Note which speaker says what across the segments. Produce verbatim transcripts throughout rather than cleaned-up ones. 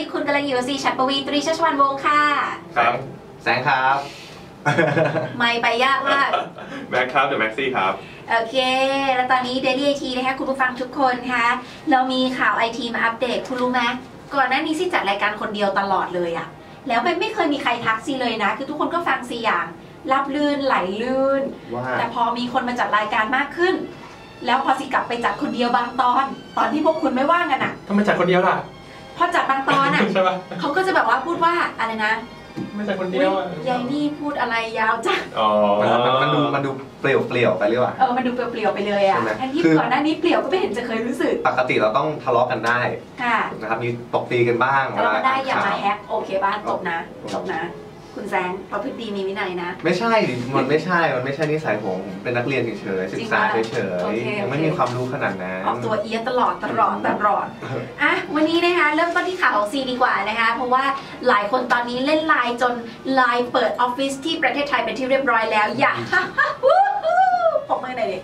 Speaker 1: คุณกำลังอยู่กับซีฉัตรปวีตรีชัชวรรณวงศ์ค่ะ
Speaker 2: ครับแสงครับ
Speaker 1: ไม่ไปยากมาก
Speaker 2: แม็กครับเดี๋ยวแม็กซี่ครับ
Speaker 1: โอเคแล้วตอนนี้ Daily ไอ ที นะคะคุณผู้ฟังทุกคนคะเรามีข่าว ไอ ที มาอัปเดตคุณรู้ไหมก่อนหน้านี้ซีจัดรายการคนเดียวตลอดเลยอะแล้วมันไม่เคยมีใครทักซีเลยนะคือทุกคนก็ฟังซีอย่างรับลื่นไหลลื่นแต่พอมีคนมาจัดรายการมากขึ้นแล้วพอซีกลับไปจัดคนเดียวบางตอนตอนที่พวกคุณไม่ว่างกันอะ
Speaker 2: ทำไมจัดคนเดียวล่ะ
Speaker 1: พอจัดบางตอนอะเขาก็จะแบบว่าพูดว่าอะไรนะ
Speaker 2: ไม่ใช่คนเดียวอ่ะ
Speaker 1: ยายนี่พูดอะไรยาวจัง
Speaker 2: อ๋อ
Speaker 3: มันดูมันดูเปลี่ยวเปลี่ยวไปหรือเปล่า
Speaker 1: เออมันดูเปลี่ยวเปลี่ยวไปเลยอ่ะแทนที่ก่อนหน้านี้เปลี่ยวก็ไม่เห็นจะเคยรู้สึก
Speaker 3: ปกติเราต้องทะเลาะกันได้
Speaker 1: ค่ะ
Speaker 3: นะครับมีตบตีกันบ้าง
Speaker 1: ทะเลาะกันได้อย่ามาแฮกโอเคบ้านตบนะตบนะคุณแซงประพฤติดีมีวินัยนะ
Speaker 3: ไม่ใช่มันไม่ใช่มันไม่ใช่นิสัยผมเป็นนักเรียนเฉยๆศึกษาเฉยๆยังไม่มีความรู้ขนาดนั้น
Speaker 1: ออกตัวเอียดตลอดตลอดตลอดอ่ะวันนี้นะคะเริ่มต้นที่ข่าวของซีดีกว่านะคะเพราะว่าหลายคนตอนนี้เล่นไลน์จนไลน์เปิดออฟฟิศที่ประเทศไทยเป็นที่เรียบร้อยแล้วอย่าปกมือหน่อยดิ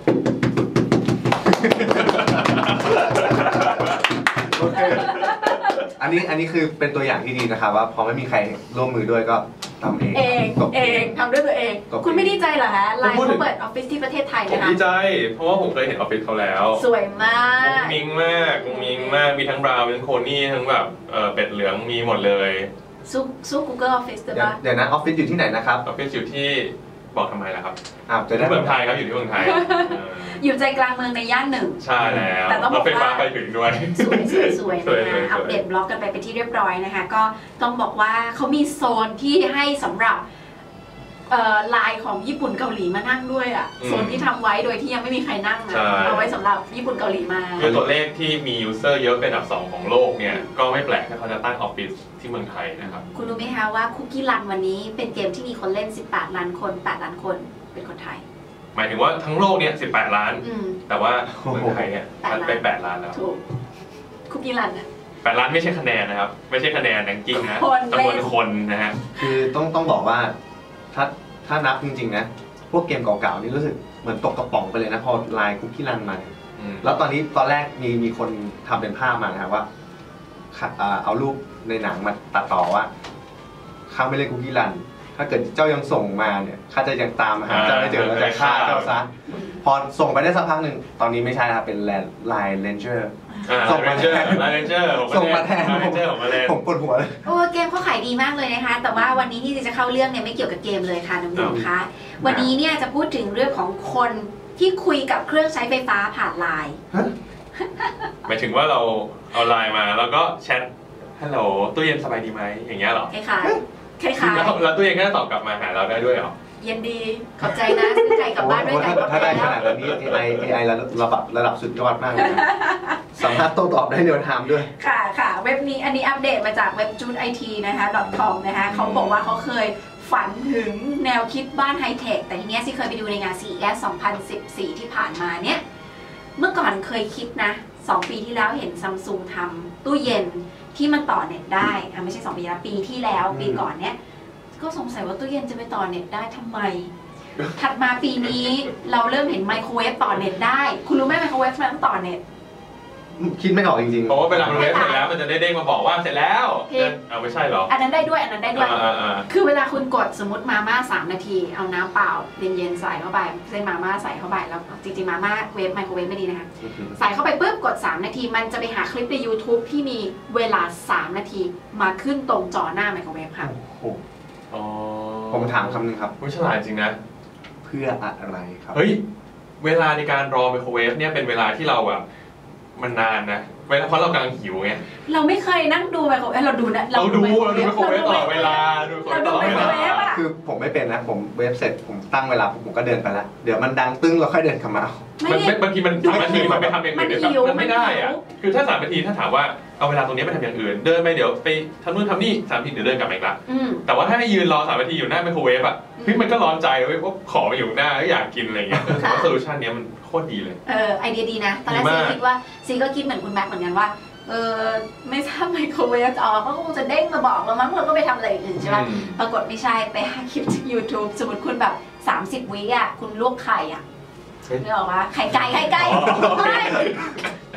Speaker 3: โอเคอันนี้อันนี้คือเป็นตัวอย่างที่ดีนะครับว่าพอไม่มีใครร่วมมือด้วยก็ทำเอง
Speaker 1: เองเองทำด้วยตัวเองคุณไม่ดีใจเหรอฮะไลน์เขาเปิดออฟฟิศที่ประเทศไทยนะคะ
Speaker 2: ผมดีใจเพราะว่าผมเคยเห็นออฟฟิศเขาแล้ว
Speaker 1: สวยมาก
Speaker 2: มิงมากมิงมากมีทั้งบราวน์มีทั้งโคนี่ทั้งแบบเป็ดเหลืองมีหมดเลย
Speaker 1: สู้สู้ Google Office ได้ปะ
Speaker 3: เดี๋ยวนะออฟฟิศอยู่ที่ไหนนะครับ
Speaker 2: ออฟฟิศอยู่ที่บอกทำไมล่ะครับ
Speaker 3: อ้าวจะได้
Speaker 2: เมืองไทยครับอยู่ที่เมืองไทย
Speaker 1: อยู่ใจกลางเมืองในย่านหนึ่ง
Speaker 2: ใช่แล้ว
Speaker 1: แต่ต้องบอกว่า
Speaker 2: ไปถึงด้วย
Speaker 1: สวยสวยสวยนะอัปเดตบล็อกกันไปเป็นที่เรียบร้อยนะคะก็ต้องบอกว่าเขามีโซนที่ให้สำหรับลายของญี่ปุ่นเกาหลีมานั่งด้วยอ่ะโซนที่ทำไว้โดยที่ยังไม่มีใครนั่งนะเอาไว้สำหรับญี่ปุ่นเกาหลีมา
Speaker 2: คือตัวเลขที่มียูเซอร์เยอะเป็นอันดับสองของโลกเนี่ยก็ไม่แปลกถ้าเขาจะตั้งออฟฟิศที่เมืองไทยนะครับ
Speaker 1: คุณรู้ไหมคะว่าคุกกี้รันวันนี้เป็นเกมที่มีคนเล่นสิบแปดล้านคนแปดล้านคนเป็นคนไทย
Speaker 2: หมายถึงว่าทั้งโลกเนี่ยสิบแปดล้านแต่ว่าเมืองไทยเนี่ยมันไปแปดล้านแล้ว
Speaker 1: ถูกคุกกี้รันอ่ะ
Speaker 2: แปดล้านไม่ใช่คะแนนนะครับไม่ใช่คะแนนแรงกิ้งนะจำนวนคนนะฮะ
Speaker 3: คือต้องต้องบอกว่าถ้าถ้านับจริงๆนะพวกเกมเก่าๆนี่รู้สึกเหมือนตกกระป๋องไปเลยนะพอไลน์คุกกี้รันมาแล้วตอนนี้ตอนแรกมีมีคนทำเป็นภาพมานะครับว่าเอารูปในหนังมาตัดต่อว่าข้าไม่เล่นคุกกี้รันถ้าเกิดเจ้ายังส่งมาเนี่ยข้าจะยังตามหาเจ้าไม่เจอแล้วจะฆ่าเจ้าซะพอส่งไปได้สักพักหนึ่งตอนนี้ไม่ใช่นะครับเป็นไลน์เลนเจอร์
Speaker 2: ส่งมาแทนไลน์เลนเจอร์
Speaker 3: ส่งมาแทนผมปวดหัวเลย
Speaker 1: โอ้เกมเขาขายดีมากเลยนะคะแต่ว่าวันนี้ที่จะเข้าเรื่องเนี่ยไม่เกี่ยวกับเกมเลยค่ะน้องๆคะวันนี้เนี่ยจะพูดถึงเรื่องของคนที่คุยกับเครื่องใช้ไฟฟ้าผ่านไลน์
Speaker 2: หมายถึงว่าเราเอาไลน์มาแล้วก็แชทฮัลโหลตู้เย็นสบายดีไหมอย่างเงี้ยหรอ
Speaker 1: คล้ายๆคล้ายๆ
Speaker 2: แล้วตู้เย็นก็จะตอบกลับมาหาเราได้ด้วยหรอ
Speaker 1: เย็นดีขอบใจนะซื้อไก่กลับบ้านด้วยกัน
Speaker 3: ถ้าได้ขนาดนี้ เอ ไอ เอ ไอ ระดับระดับสุดยอดมากเลยสามารถโต้ตอบได้เร็วไทม์ด้วย
Speaker 1: ค่ะค่ะเว็บนี้อันนี้อัปเดตมาจากเว็บจูดไอทีนะคะ .com นะคะเขาบอกว่าเขาเคยฝันถึงแนวคิดบ้านไฮเทคแต่ทีนี้สิเคยไปดูในงาน ซี อี เอส สองพันสิบสี่ที่ผ่านมาเนี่ยเมื่อก่อนเคยคิดนะสองปีที่แล้วเห็นซัมซุงทำตู้เย็นที่มันต่อเน็ตได้อ่ะไม่ใช่สองปีแล้วปีที่แล้วปีก่อนเนี้ยก็สงสัยว่าตู้เย็นจะไปต่อเน็ตได้ทำไมถัดมาปีนี้เราเริ่มเห็นไมโครเวฟต่อเน็ตได้คุณรู้ไหมไมโครเวฟมันต้องต่อเน็ต
Speaker 3: คิดไม่ออกจริงๆ
Speaker 2: เพราะว่าเวลามันเวฟเสร็จแล้วมันจะได้เด้งมาบอกว่าเสร็จแล้วเอาไม่ใช่หรอ
Speaker 1: อันนั้นได้ด้วยอันนั้นได้ด้วยคือเวลาคุณกดสมมติมาม่าสามนาทีเอาน้ำเปล่าเย็นๆใส่เข้าไปเส้นมาม่าใส่เข้าไปแล้วจริงๆมาม่าเวฟไมโครเวฟไม่ดีนะคะใส่เข้าไปปุ๊บกดสามนาทีมันจะไปหาคลิปใน YouTube ที่มีเวลาสามนาทีมาขึ้นตรงจอหน้าไมโครเวฟค่ะ
Speaker 3: ผมถามคำนึงครับ
Speaker 2: ผู้ฉลาดจริงนะ
Speaker 3: เพื่ออะไรครับ
Speaker 2: เฮ้ยเวลาในการรอไมโครเวฟเนี่ยเป็นเวลาที่เราแบบมันนานนะเวลาเพราะเรากำลังหิวไง
Speaker 1: เราไม่เคยนั่งดูไมโครเวฟเราดูนะ
Speaker 2: เราดูเราดูไมโครเวฟตลอดเวลาดูตลอดเวลา
Speaker 3: คือผมไม่เป็นนะผมเวฟเสร็จผมตั้งเวลาผมก็เดินไปแล้วเดี๋ยวมันดังตึ้งเราค่อยเดินกลับมา
Speaker 2: มันบางทีมันสามนาทีมันไปทำอย่างอื่นเดี๋ยวมันไม่ได้อะคือถ้าสามนาทีถ้าถามว่าเอาเวลาตรงนี้ไปทำอย่างอื่นเดินไปเดี๋ยวไปทำนู่นทำนี่สามนาทีเดี๋ยวเดินกลับมาอีกละแต่ว่าถ้าให้ยืนรอสามนาทีอยู่หน้าไมโครเวฟอ่ะพี่มันก็ร้อนใจเว้ยว่าขอมาอยู่หน้าอยากกินอะไรเงี้ยแต่ว่าโซลูชันนี้มันโคตรดีเลย
Speaker 1: เออไอเดียดีนะตอนแรกซีคิดว่าซีก็คิดเหมือนคุณแม็กเหมือนกันว่าเออไม่ทราบไมโครเวฟอ๋อเขาก็คงจะเด้งมาบอกเรามั้งเราก็ไปทำอะไรอื่นใช่ไหมปรากฏไม่ใช่ไปหาคลิปจาก YouTube สมมติคุณแบบสามสิบวิอ่ะคุณลวกไข่อ่ะนึกออกว่าไข่ไก่ไข่ไก่ไ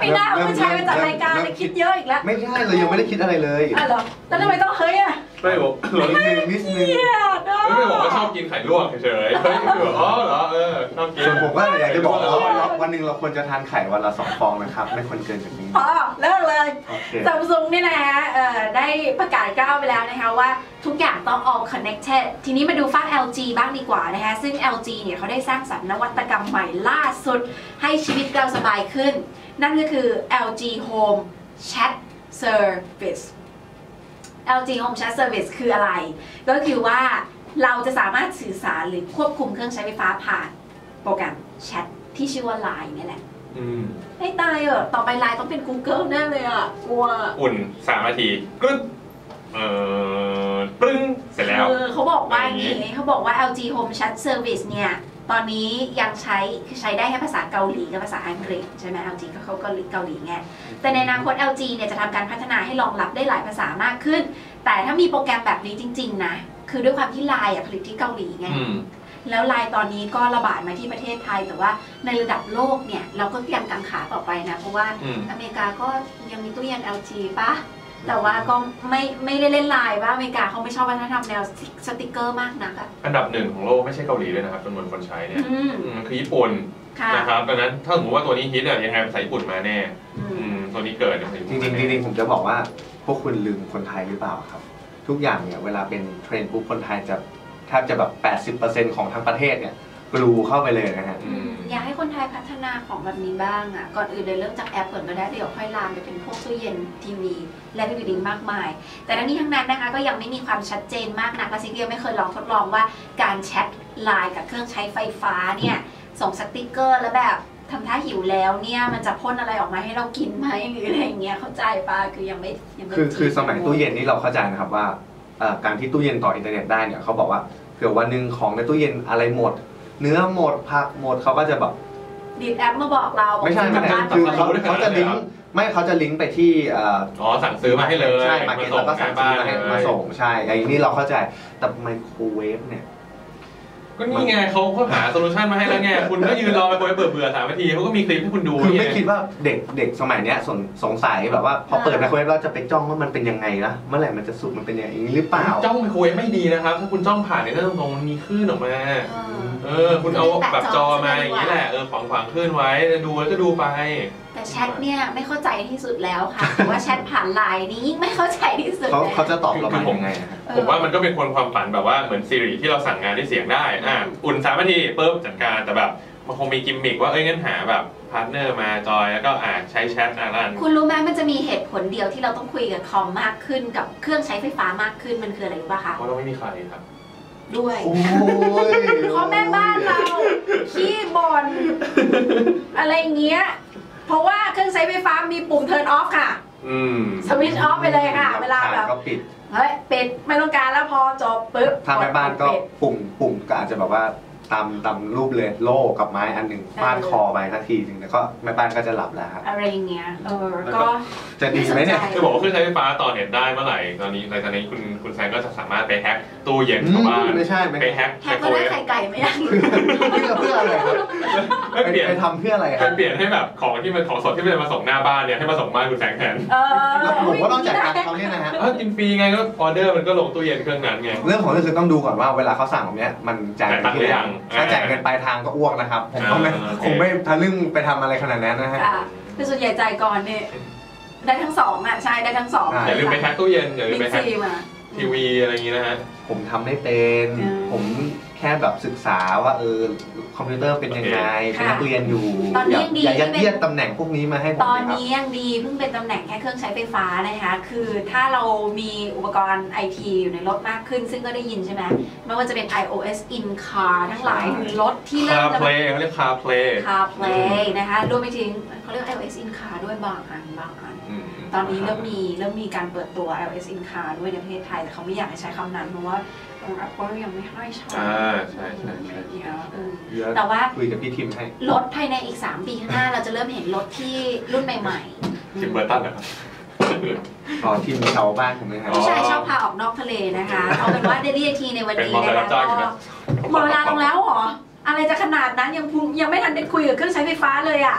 Speaker 1: ไม่น่าผู้ชายมาจัดรายการเลยคิดเยอะอีกแล้ว
Speaker 3: ไม่ใช่เรายังไม่ได้คิดอะไรเลย
Speaker 1: อ๋อเหรอแล้วทำไมต้องเฮ้ยอ่ะ
Speaker 2: ไม่บอก
Speaker 3: นิดนึงนิดนึง
Speaker 2: ไม่บอกว่าชอบกินไข่ลวกเฉยๆเฮ้ยคืออ๋อเหรอเออชอบกิน
Speaker 3: ส่วนผมก็อยากจะบอกว่าวันหนึ่งเราควรจะทานไข่วันละสองฟองนะครับไม่ควรเกินจากนี้
Speaker 1: อ๋อเลิกเลยซัมซุงเนี่ยนะฮะได้ประกาศก้าวไปแล้วนะคะว่าทุกอย่างต้อง all connected ทีนี้มาดูฝั่ง แอล จี บ้างดีกว่านะคะซึ่ง แอล จี เนี่ยเขาได้สร้างสรรค์นวัตกรรมใหม่ล่าสุดให้ชีวิตเราสบายขึ้นนั่นก็คือ แอล จี Home Chat Service แอล จี Home Chat Service คืออะไรก็คือว่าเราจะสามารถสื่อสารหรือควบคุมเครื่องใช้ไฟฟ้าผ่านโปรแกรมแชทที่ชื่อว่า ไลน์ นี่แหละให้ตายเออต่อไป ไลน์ ต้องเป็น Google แน่เลยอ่ะกลัว
Speaker 2: อุ่นสามนาทีกรึ๊บเออปรึ้งเสร็จแล้ว
Speaker 1: เขาบอกว่าอย่างนี้เขาบอกว่า แอล จี Home Chat Service เนี่ยตอนนี้ยังใช้คือใช้ได้แค่ภาษาเกาหลีกับภาษาอังกฤษใช่ไหม แอล จี ก็เขาเกาหลีเกาหลีไงแต่ในอนาคต แอล จี เนี่ยจะทำการพัฒนาให้รองรับได้หลายภาษามากขึ้นแต่ถ้ามีโปรแกรมแบบนี้จริงๆนะคือด้วยความที่ ไลน์ อ่ะผลิตที่เกาหลีไงแล้ว ไลน์ ตอนนี้ก็ระบาดมาที่ประเทศไทยแต่ว่าในระดับโลกเนี่ยเราก็ยังกังขาต่อไปนะเพราะว่าอเมริกาก็ยังมีตู้เย็น แอล จี ป่ะแต่ว่าก็ไม่ไม่ได้เล่น ไลน์ ว่าอเมริกาเขาไม่ชอบวัฒนธรรมแนวสติกเกอร์มากนักอะ
Speaker 2: อันดับหนึ่งของโลกไม่ใช่เกาหลีเลยนะครับจำนวนคนใช้เนี่ยคือญี่ปุ่นนะครับดังนั้นถ้าสมมติว่าตัวนี้ฮิตอะยังไงภาษาญี่ปุ่นมาแน่ตัวนี้เกิด
Speaker 3: จริงจริงจริงผมจะบอกว่าพวกคุณลืมคนไทยหรือเปล่าครับทุกอย่างเนี่ยเวลาเป็นเทรนด์ปุ๊บคนไทยจะแทบจะแบบ แปดสิบเปอร์เซ็นต์ ของทั้งประเทศเนี่ยกลูเข้าไปเลยนะฮะ
Speaker 1: อยากให้คนไทยพัฒนาของแบบนี้บ้างอ่ะก่อนอื่นเลยเริ่มจากแอปก่อนก็ได้เดี๋ยวค่อยลามไปเป็นพวกตู้เย็นทีวีและอื่นๆมากมายแต่ทั้งนี้ทั้งนั้นนะคะก็ยังไม่มีความชัดเจนมากนักและซิเดียไม่เคยลองทดลองว่าการแชท ไลน์ กับเครื่องใช้ไฟฟ้าเนี่ยส่งสติ๊กเกอร์แล้วแบบทำท่าหิวแล้วเนี่ยมันจะพ่นอะไรออกมาให้เรากินไหมหรืออะไรอย่างเงี้ยเข้าใจป่ะคือยังไม่ยังไม่
Speaker 3: คือคือสมัยตู้เย็นนี่เราเข้าใจนะครับว่าการที่ตู้เย็นต่ออินเทอร์เน็ตได้เนี่ยเขาบอกว่าเผื่อวันหนึ่งของในตู้เย็นอะไรหมดเนื้อหมดผักหมดเขาก็จะแบบ
Speaker 1: ดีดแอปมาบอกเรา
Speaker 3: ไม่ใช่ไม่ใช่คือเขาเขาจะลิงก์ไม่เขาจะลิงก์ไปที่
Speaker 2: อ๋อสั่งซื้อมาให้เลย
Speaker 3: ใช่มาเก็ตแล้วก็สั่งซื้อมาให้มาส่งใช่ไอ้นี่เราเข้าใจแต่ไมโครเวฟเนี่ย
Speaker 2: ก็นี่ไงเขาเขาหาโซลูชันมาให้แล้วไงคุณก็ยืนรอไปเบื่อเบื่อสามนาทีเขาก็มีคลิปให้คุณดู
Speaker 3: คือไม่คิดว่าเด็กเด็กสมัยนี้สงสัยแบบว่าพอเปิดไมโครเวฟเราจะไปจ้องว่ามันเป็นยังไงนะเมื่อไหร่มันจะสุกมันเป็นอย่างนี้หรือเปล่า
Speaker 2: จ้องไมโครเวฟไม่ดีนะครับถ้าคุณจ้องผ่านในหน้าตรงๆมันมีคลื่นออกมาเออคุณเอาแบบจอมาอย่างนี้แหละเออขวางขวางคลื่นไว้ดูแล้วก็ดูไป
Speaker 1: แต่แชทเนี่ยไม่เข้าใจที่สุดแล้วค่ะแต่ว่าแชทผ่าน ไลน์ นี่ยิ่งไม่เข้าใจที่สุด
Speaker 3: เขาเขาจะตอบเราเป็นยังไง
Speaker 2: ผมว่ามันก็เป็นคนความฝันแบบว่าเหมือนซีรีส์ที่เราสั่งงานด้วยเสียงได้อ่ะอุ่นสามนาทีปุ๊บจัดการแต่แบบมันคงมีกิมมิกว่าเอ้ยงั้นหาแบบพาร์ทเนอร์มาจอยแล้วก็อ่าใช้แชทอะไรนั่น
Speaker 1: คุณรู้ไหมมันจะมีเหตุผลเดียวที่เราต้องคุยกับคอมมากขึ้นกับเครื่องใช้ไฟฟ้ามากขึ้นมันคืออะไรรู้ป่ะคะ
Speaker 2: เพราะเราไม่มีใครครับ
Speaker 1: ด้วยเพราะแม่บ้านเราขี้บ่นอะไรเงี้ยเพราะว่าเครื่องใช้ไฟฟ้ามีปุ่ม turn off ค่ะสวิตช์ออฟไปเลยค่ะเวลาแบบเฮ้ยปิดไม่ต้องการแล้วพอจบปึ๊บ
Speaker 3: ถ้าแม่บ้านก็ปุ่มปุ่มก็อาจจะแบบว่าตามตามรูปเลยโล่กับไม้อันหนึ่งฟาดคอไปทันทีหนึ่งแล้วก็แม่บ้านก็จะหลับแล้วครับ
Speaker 1: อะไรอย่างเงี้ยเออก็
Speaker 3: จะดีไหมเนี่ย
Speaker 2: จะบอกว่าเครื่องใช้ไฟฟ้าต่อเน็ตได้เมื่อไหร่ตอนนี้ในตอนนี้คุณคุณแซงก็จะสามารถไปแฮ็กตู้เย็นชาวบ้าน
Speaker 3: ไม่ใช่
Speaker 2: ไปแฮ็ก
Speaker 1: แฮ็กก็ได้ไข่ไก่ไม่ได้
Speaker 3: เพื่ออะไรครับไปเปลี่ยนไปทำเพื่ออะไร
Speaker 2: ไปเปลี่ยนให้แบบของที่มันของสดที่มันมาส่งหน้าบ้านเนี่ยให้มาส่งบ้านคุณแซงแทน
Speaker 3: แล้วผมก็ต้องจัดการเขาเนี่ยนะฮะ
Speaker 2: กินฟรีไงก็ออเดอร์มันก็ลงตู้เย็นเครื่องนั้นไง
Speaker 3: เรื่องของเรื่องคือต้องดูก่อนว่าเวลาเขาสั่งแบบนี้มันจ่ายเงินที่ไหนถ้าจ่ายเงินไปทางก็อ้วกนะครับผมก็ไม่คงไม่ทะลึ่งไปทำอะไรขนาดนั้นนะฮะ
Speaker 1: แต่ส่วนใหญ่ใจก่อนเนี่ยได้ทั้งสองอ่ะใช่ได้ทั้งสอง
Speaker 2: อย่าลืมไปแฮ็กตู้เย็นอย่าลืมไปแฮ็กทีวีอะไรอย่างงี้นะฮะ
Speaker 3: ผมทำไม่เป็นผมแค่แบบศึกษาว่าเออคอมพิวเตอร์เป็นยังไงเป็นนักเรียนอยู่อย่ายัดเยียดตำแหน่งพวกนี้มาให้ผม
Speaker 1: ตอนนี้ยังดีเพิ่งเป็นตำแหน่งแค่เครื่องใช้ไฟฟ้านะคะคือถ้าเรามีอุปกรณ์ไอทีอยู่ในรถมากขึ้นซึ่งก็ได้ยินใช่ไหมไม่ว่าจะเป็น iOS in car ทั้งหลายรถที่เริ่ม
Speaker 2: CarPlay เขาเรียก CarPlay
Speaker 1: CarPlay นะคะรวมไปถึงเขาเรียก iOS in car ด้วยบางอันบางอันตอนนี้เริ่มมีเริ่มมีการเปิดตัว iOS in car ด้วยในประเทศไทยแต่เขาไม่อยากให้ใช้คำนั้นเพราะว่าApple ยังไม่ให้ใช้
Speaker 2: อ่าใช่ใช่ใช่
Speaker 1: แต่ว่า
Speaker 3: คุยกับพี่ทิมให้
Speaker 1: รถภายในอีกสามปีข้างหน้าเราจะเริ่มเห็นรถที่รุ่นใหม่
Speaker 2: ๆทิมเบอร์ตันเหรอครับ
Speaker 3: อ๋อทิมชาวบ้านผมเลยครับ
Speaker 1: ผู้ชายชอบพาออกนอกทะเลนะคะเอาเป็นว่า Daily ไอ ที ในวันนี้นะคะก็หมดเวลาลงแล้วเหรออะไรจะขนาดนั้นยังยังไม่ทันได้คุยกับเครื่องใช้ไฟฟ้าเลยอ่ะ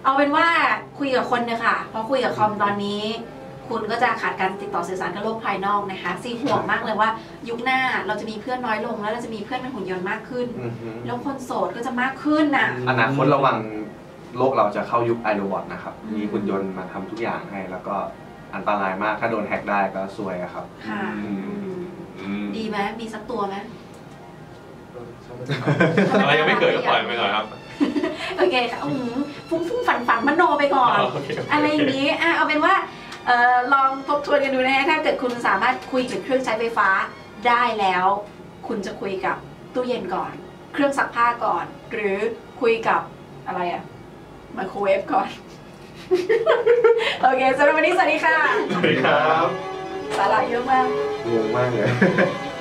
Speaker 1: เอาเป็นว่าคุยกับคนเถอะค่ะเพราะคุยกับคอมตอนนี้คุณก็จะขาดการติดต่อสื่อสารกับโลกภายนอกนะคะซีห่วงมากเลยว่ายุคหน้าเราจะมีเพื่อนน้อยลงแล้วเราจะมีเพื่อนเป็นหุ่นยนต์มากขึ้นแล้วคนโสดก็จะมากขึ้นน่ะ
Speaker 3: อนาคตระวังโลกเราจะเข้ายุคไอโรบอทนะครับมีหุ่นยนต์มาทำทุกอย่างให้แล้วก็อันตรายมากถ้าโดนแฮกได้ก็ซวยครับ
Speaker 1: ค่ะดีไหมมีสักตัวไหม
Speaker 2: อะไรยังไม่เกิดก็ปล่อยไปก่อนครับ
Speaker 1: โอเคค่ะฟุ้งฟุ้งฝันฝันมโนไปก่อนอะไรอย่างนี้อ่ะเอาเป็นว่าลองทบทวนกันดูนะฮะถ้าเกิดคุณสามารถคุยกับเครื่องใช้ไฟฟ้าได้แล้วคุณจะคุยกับตู้เย็นก่อนเครื่องซักผ้าก่อนหรือคุยกับอะไรอะไมโครเวฟก่อนโอเคสำหรับวันนี้สวัสดีค่ะ
Speaker 2: สวัสดีครับ
Speaker 1: สาระเยอะมาก
Speaker 3: งงมากเลย